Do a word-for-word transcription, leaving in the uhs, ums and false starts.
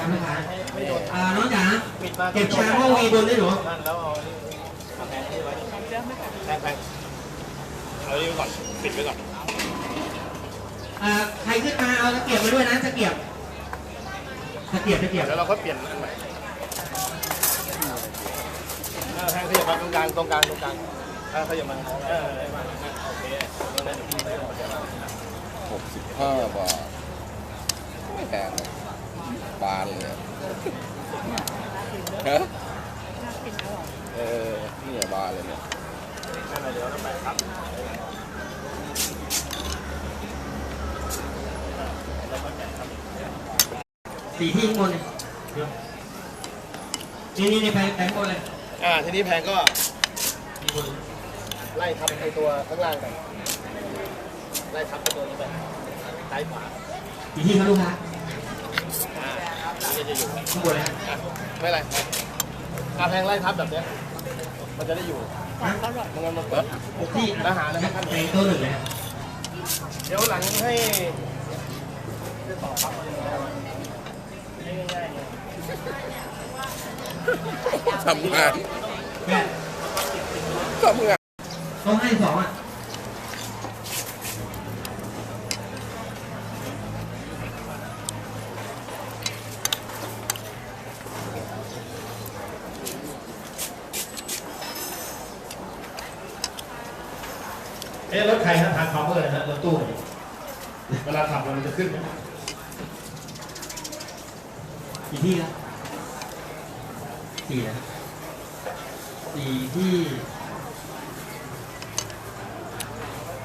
ำไม่ขายอ่าน้องจ๋าเก็บชามห้องวีบนได้หรอแล้วเอาแพงที่ไว้แพงแพงเอาดิไว้ก่อนปิดไว้ก่อนอ่าใครขึ้นมาเอาตะเกียบมาด้วยนะตะเกียบตะเกียบตะเกียบแล้วเราก็เปลี่ยนอันใหม่แพงขยับมาตรงกลางตรงกลางตรงกลางขยับมาเออโอเคหกสิบห้าบาทไม่แพงบานเลยฮะเออนี่บานเลยเนี่ยเดี๋ยวเราไปครับสีที่ข้างบนเลยนี่นี่นี่แพงแพงหมดเลยอ่าทีนี้แพงก็ไล่ทับไอตัวข้างล่างไปไล่ทับตัวนี้ไปซ้ายขวาสีที่เขาลูกค้าอ่านี่จะอยู่ข้างบนเลยไม่ไรการแพงไล่ทับแบบนี้มันจะได้อยู่มันงั้นมันเปิดที่อาหารนะครับแพงตัวหนึ่งเลยเดี๋ยวหลังให้จะต่อครับง่ายทำงานทำงานต้องให้สองอ่ะเอ๊ะรถใครฮะทางคอมเมอร์นะรถตู้เนี่ยเวลาขับมันจะขึ้นไหมกี่ที่ครับสี่นะสี่ที่